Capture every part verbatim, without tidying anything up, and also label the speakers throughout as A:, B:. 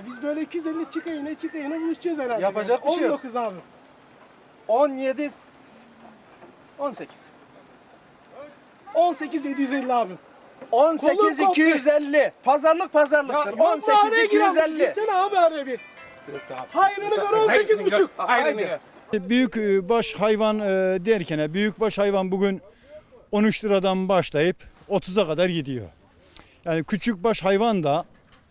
A: Biz böyle iki yüz elli çıka yine çıka yine buluşacağız herhalde.
B: Yapacak bir şey yok.
A: on dokuz abi.
B: on yedi on sekiz.
A: on sekiz yedi yüz elli abi.
B: on sekiz
A: Kolum
B: iki yüz elli. Pazarlık pazarlıktır. on sekiz iki yüz elli.
A: Gitsene abi araya bir. Hayrını gör on sekiz buçuk.
B: Haydi.
C: Büyük baş hayvan derken büyük baş hayvan bugün on üç liradan başlayıp otuza kadar gidiyor. Yani küçük baş hayvan da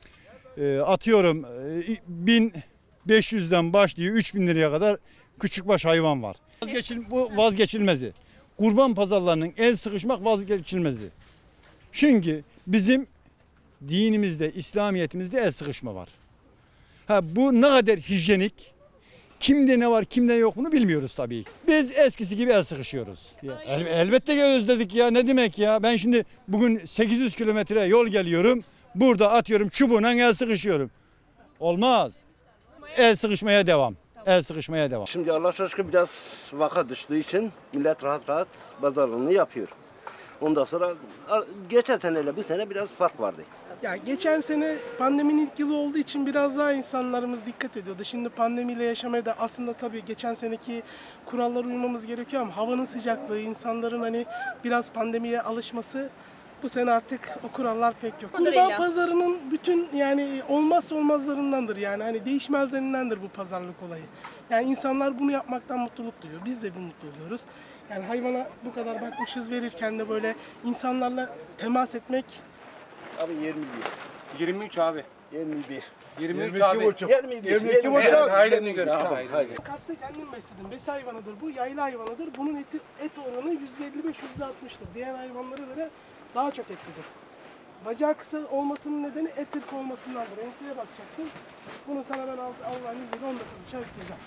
C: atıyorum bin beş yüzden başlıyor üç bin liraya kadar küçük baş hayvan var. Vazgeçil, bu vazgeçilmezi. Kurban pazarlarının el sıkışmak vazgeçilmezi. Çünkü bizim dinimizde, İslamiyet'imizde el sıkışma var. Ha, bu ne kadar hijyenik, kimde ne var, kimde yok bunu bilmiyoruz tabii. Biz eskisi gibi el sıkışıyoruz. Ya, el, elbette ki özledik ya, ne demek ya. Ben şimdi bugün sekiz yüz kilometre yol geliyorum. Burada atıyorum çubuğuna el sıkışıyorum. Olmaz. El sıkışmaya devam. El sıkışmaya devam.
D: Şimdi Allah aşkına biraz vaka düştüğü için millet rahat rahat pazarlığını yapıyor. Ondan sonra geçen seneyle bu sene biraz fark vardı.
A: Ya geçen sene pandeminin ilk yılı olduğu için biraz daha insanlarımız dikkat ediyordu. Şimdi pandemiyle yaşamaya da aslında tabii geçen seneki kurallara uymamız gerekiyor ama havanın sıcaklığı, insanların hani biraz pandemiye alışması bu sene artık o kurallar pek yok. Kurban pazarının bütün yani olmazsa olmazlarındandır yani hani değişmezlerindendir bu pazarlık olayı. Yani insanlar bunu yapmaktan mutluluk duyuyor. Biz de bir mutlu oluyoruz. Yani hayvana bu kadar bakmışız verirken de böyle insanlarla temas etmek.
D: Abi yirmi bir.
B: yirmi üç abi.
D: yirmi bir.
B: yirmi üç abi.
D: yirmi bir.
B: yirmi iki buçuk. Haydi gör.
A: Kars'ta kendim besledim. Besi hayvanıdır bu, yaylı hayvanıdır. Bunun eti, et oranı yüzde elli beş yüzde altmıştır. Diğer hayvanlara göre daha çok etlidir. Bacağı kısa olmasının nedeni et ırkı olmasındandır. Enseye bakacaksın. Bunu sana ben Allah'ın izniyle on dakika uçağı bitireceğim.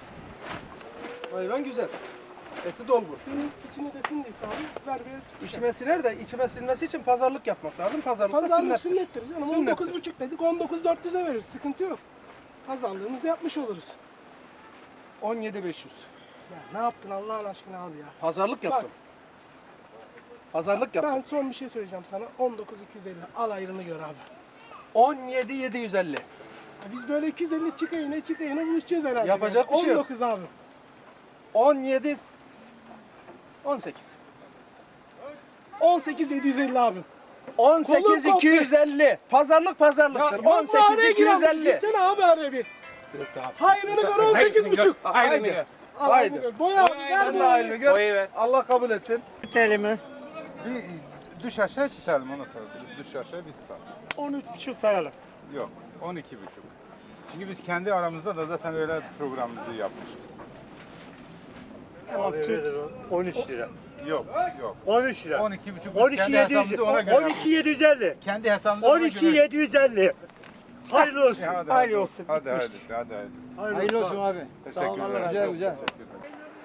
B: Hayvan güzel. Eti dolgu.
A: Senin içine de sindiyse abi ver bir
B: İçime siner de içime sinmesi için pazarlık yapmak lazım. Pazarlıkta
A: Pazarlık
B: sünnettir.
A: sünnettir canım. on dokuz buçuk dedik, on dokuz dört yüze veririz. Sıkıntı yok. Pazarlığımızı yapmış oluruz.
B: on yedi beş yüz.
A: Ya ne yaptın Allah'ın aşkına abi ya?
B: Pazarlık yaptım. Pazarlık yaptım.
A: Ben son bir şey söyleyeceğim sana. on dokuz iki yüz elli. Al ayrını gör abi.
B: on yedi yedi yüz elli.
A: Ya biz böyle iki yüz elli çıka yine çıka yine buluşacağız herhalde.
B: Yapacak bir şey yok.
A: on dokuz abi.
B: on yedi on sekiz.
A: on sekiz yedi yüz elli abi.
B: on sekiz
A: Kolum
B: iki yüz elli. Pazarlık pazarlıktır. on sekiz iki yüz elli.
A: Gitsene abi araya bir. Hayrını gör on sekiz buçuk.
B: Haydi.
A: Al
B: Haydi.
A: ayrını gör. Boya abi ver
B: Sen de
A: boyayı.
B: ayrını gör. Allah kabul etsin.
E: Telimi
F: Bir düş aşağı tutalım ona sonra. Düş aşağı bir tutalım.
E: on üç buçuk sayalım.
F: Yok, on iki buçuk. Çünkü biz kendi aramızda da zaten öyle programımızı yapmışız.
E: Tamam, on üç lira.
F: Yok, yok.
E: on üç lira.
F: on iki buçuk.
E: on iki yedi yüz. on iki yedi yüz elli.
F: Kendi hesabımızda
E: on iki yedi yüz elli. Hayırlı olsun.
F: Hadi,
E: Hayırlı olsun.
F: Hadi, hadi, hadi, hadi.
E: Hayırlı olsun abi.
F: Teşekkürler.
E: Güzel güzel.
F: Teşekkürler.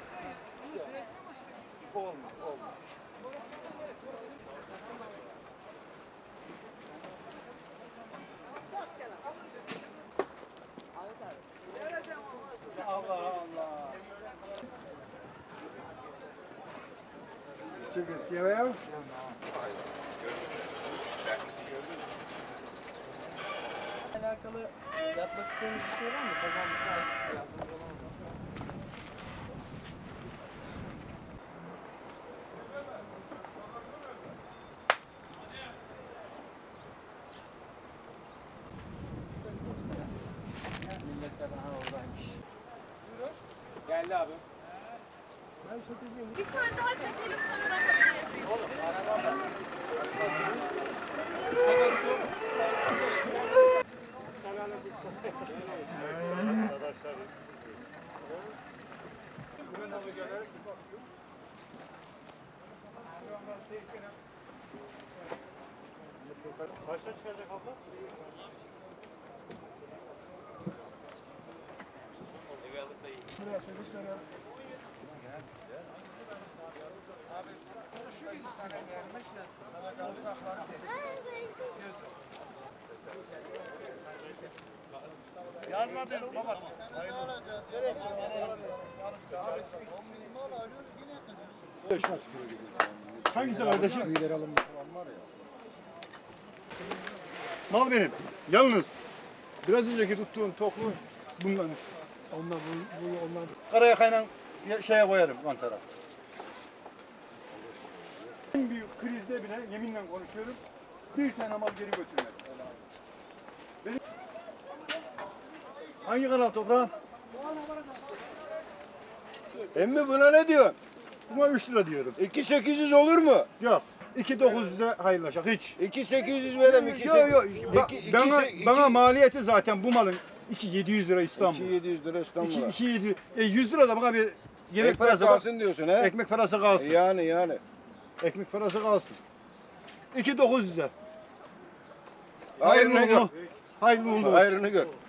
G: alakalı yapmak istediğiniz bir şey var mı? Kazanmışlar yardımcı olamaz. Milletler daha oradaymış. Geldi abi.
H: Bir tane daha çekelim sonra bakabiliriz.
G: Oğlum araba var.
E: Kaçta çıkacak abla?
G: Evi alırsa iyi.
A: Buraya şöyle şöyle.
E: Yazmadınız baba. Hangisi kardeşim? Mal benim. Yalnız Biraz önceki tuttuğum toklu bundan işte. Onlar bu, bu onlar. Karayakayla şeye koyarım mantara. En büyük krizde bile yeminle konuşuyorum. Bir tane mal geri götürmek. Benim... Hangi kanal toprağım?
B: Emmi buna ne diyorsun?
E: Buna üç lira diyorum.
B: iki sekiz yüz olur mu?
E: Yok. iki dokuz yüze hayırlaşak hiç.
B: iki sekiz yüz verem. iki
E: Yok yok. Ba-
B: iki- iki-
E: bana,
B: iki-
E: bana maliyeti zaten bu malın iki yedi yüz lira İstanbul.
B: iki yedi yüz lira İstanbul'a.
E: iki yedi e, yüz lira da bana bir yemek
B: Ekmek
E: parası
B: kalsın diyorsun he?
E: Ekmek parası kalsın.
B: Yani yani.
E: Ekmek parası kalsın. iki dokuz yüze.
B: Hayrını gör.
E: Hayırlı uğurlu olsun.
B: Hayrını gör.